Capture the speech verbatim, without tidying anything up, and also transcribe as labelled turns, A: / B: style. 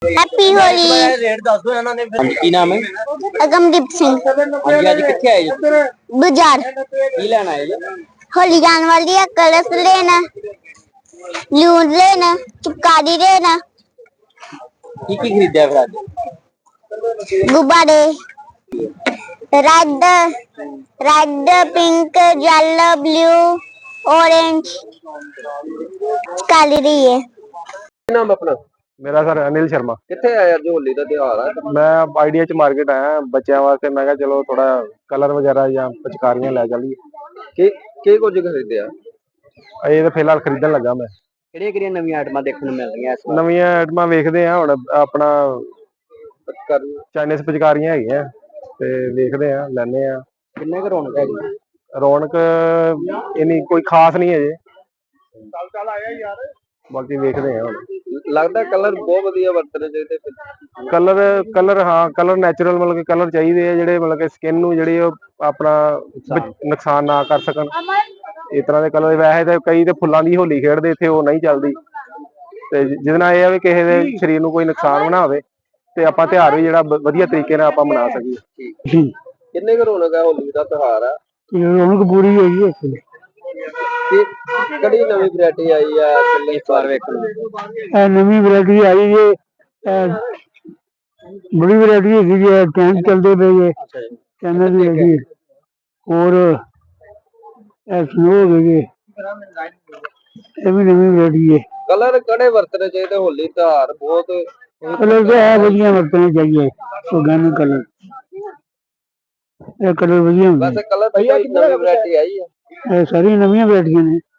A: Happy Holi.
B: Rate दस दो ਇਹਨਾਂ ਨੇ ਕੀ ਨਾਮ ਹੈ?
A: अगमदीप सिंह
B: ਹਾਂਜੀ ਅੱਜ ਕਿੱਥੇ ਆਏ ਜੀ?
A: बाजार
B: ਕੀ ਲੈਣ ਆਏ ਜੀ?
A: होली जाने वाली है, कलर्स लेना, लून लेना, चिपकारी लेना,
B: ਕੀ ਕੀ ਖਰੀਦਿਆ ਫਿਰ ਅੱਜ?
A: गुब्बारे red red pink yellow blue orange काली रही है।
B: ਕੀ ਨਾਮ ਆਪਣਾ?
C: मेरा सर अनिल शर्मा।
B: ਕਿੱਥੇ ਆਏ ਅੱਜ ਹੋਲੀ ਦਾ ਤਿਉਹਾਰ ਆ?
C: मैं आइडिया च मार्केट आया बच्चों वास्ते, मैं कहा चलो थोड़ा कलर वगैरह या पिचकारियां लै चलिए।
B: ਕੀ ਕੀ ਕੁਝ ਖਰੀਦਿਆ?
C: ये तो फिलहाल खरीदन लगा मैं।
B: ਕਿਹੜੀਆਂ ਕਿਹੜੀਆਂ ਨਵੀਆਂ ਆਈਟਮਾਂ ਦੇਖਣ ਨੂੰ ਮਿਲ ਰਹੀਆਂ ਇਸ ਵਾਰ?
C: नवीं आइटमां वेखदे आ हुण अपना चाइनीज पिचकारियां हैगियां ते वेखदे आ लैने आ।
B: ਕਿੰਨੇ ਕੁ ਰੌਣਕ ਹੈਗੀ?
C: रौनक इन्नी कोई खास नहीं है जी, बाकी वेखदे आ हुण।
B: ਲੱਗਦਾ ਕਲਰ ਬਹੁਤ ਵਧੀਆ ਵਰਤਣੇ ਚਾਹੀਦੇ ਫਿਰ।
C: कलर कलर हाँ कलर नैचुरल मतलब कि कलर चाहिए है जिहड़े मतलब कि स्किन नूं जिहड़ी अपना नुकसान ना कर सकन, इस तरह के कलर। वैसे तो कई तो फुल्लां दी होली खेडदे, इत्थे ओह नहीं चलदी ते जिहदे नाल इह आ भी किसी दे शरीर नूं कोई नुकसान ना होवे ते आपां त्योहार भी जेहड़ा वधिया तरीके नाल आपां मना सकीए।
B: ਕਿੰਨੇ ਕੁ ਰੌਣਕ ਹੈ ਹੋਲੀ ਦਾ ਤਿਉਹਾਰ ਆ?
C: रौनक पूरी होई है।
B: ਕਿ ਕਿਹੜੀ ਨਵੀਂ ਵੈਰਾਈਟੀ ਆਈ ਆ ਚੱਲੀ ਇਸ ਵਾਰ ਵੇਖਣ ਨੂੰ?
C: ਇਹ ਨਵੀਂ ਵੈਰਾਈਟੀ ਆਈ ਜੇ, ਬੜੀ ਵੈਰਾਈਟੀ ਹੈਗੀ ਜੇ, ਟੈਂਕ ਚੱਲਦੇ ਪਏ ਜੇ, ਚੈਨਲ ਦੀ ਹੈਗੀ ਹੋਰ ਇਹ ਸਨੋ ਹੋ ਗਈ ਜੇ, ਇਹ ਵੀ ਨਵੀਂ ਵੈਰਾਈਟੀ ਹੈ।
B: ਕਲਰ ਕਿਹੜੇ ਵਰਤਣੇ ਚਾਹੀਦੇ? ਹੋਲੀ ਤਿਉਹਾਰ ਬਹੁਤ
C: ਕਲਰ ਤਾਂ ਇਹ ਵਧੀਆ ਵਰਤਣੇ ਚਾਹੀਏ, ਆਰਗੈਨਿਕ ਕਲਰ, ਇਹ ਕਲਰ ਵਧੀਆ ਹੁੰਦੇ।
B: ਵੈਸੇ ਕਲਰ ਦੀ ਨਵੀਂ ਵੈਰਾਈਟੀ ਆਈ ਆ?
C: ਇਹ ਸਾਰੀਆਂ ਨਵੀਆਂ ਵੈਰਾਈਟੀਆਂ ਨੇ।